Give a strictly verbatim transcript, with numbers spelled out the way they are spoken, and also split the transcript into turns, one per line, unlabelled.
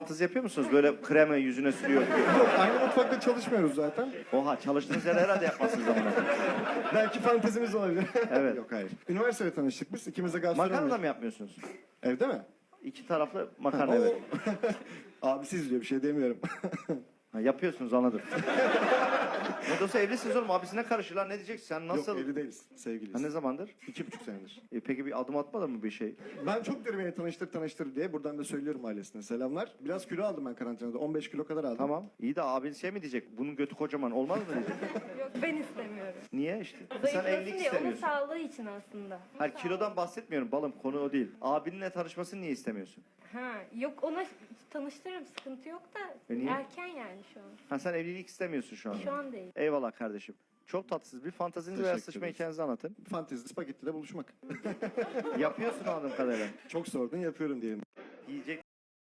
fantezi yapıyor musunuz? Böyle krema yüzüne sürüyor.
Yok, aynı mutfakta çalışmıyoruz zaten.
Oha, çalıştığınız yerde herhalde yapmazsınız ama.
Belki fantezimiz olabilir.
Evet.
Yok hayır. Üniversitede tanıştık biz. İkimiz de gastronomi.
Makarna da mı yapmıyorsunuz?
Evde mi?
İki taraflı makarna,
Ha,
evet.
o- Abi siz diyor, bir şey demiyorum.
Ha, yapıyorsunuz, anladım. Ne de olsa evlisiniz oğlum, abisine karışırlar, ne diyeceksin sen, nasıl?
Yok, evli değiliz. Sevgiliyiz.
Ha, ne zamandır?
İki buçuk senedir.
E, peki bir adım atmadın mı bir şey?
Ben çok derim beni tanıştır tanıştır diye. Buradan da söylüyorum ailesine. Selamlar. Biraz kilo aldım ben karantinada. on beş kilo kadar aldım.
Tamam. İyi de abin şey mi diyecek? Bunun götü kocaman olmaz mı diyecek?
Yok ben istemiyorum.
Niye işte? Sen
Zayıflasın
evlilik
diye, onun
istemiyorsun.
sağlığı için aslında.
Hayır, kilodan bahsetmiyorum balım, konu o değil. Abinle tanışmasını niye istemiyorsun?
Ha, yok ona tanıştırırım, sıkıntı yok da
E niye?
erken yani şu an.
Ha, sen evlilik istemiyorsun şu anda.
Şu an değil.
Eyvallah kardeşim. Çok tatsız. Bir fantazinizi veya
Teşekkür
sıçma
ederiz.
hikayenizi anlatın.
Fantezi spagettide buluşmak.
Yapıyorsun anladığım kadarıyla.
Çok sordun, yapıyorum diyelim.
Yiyecek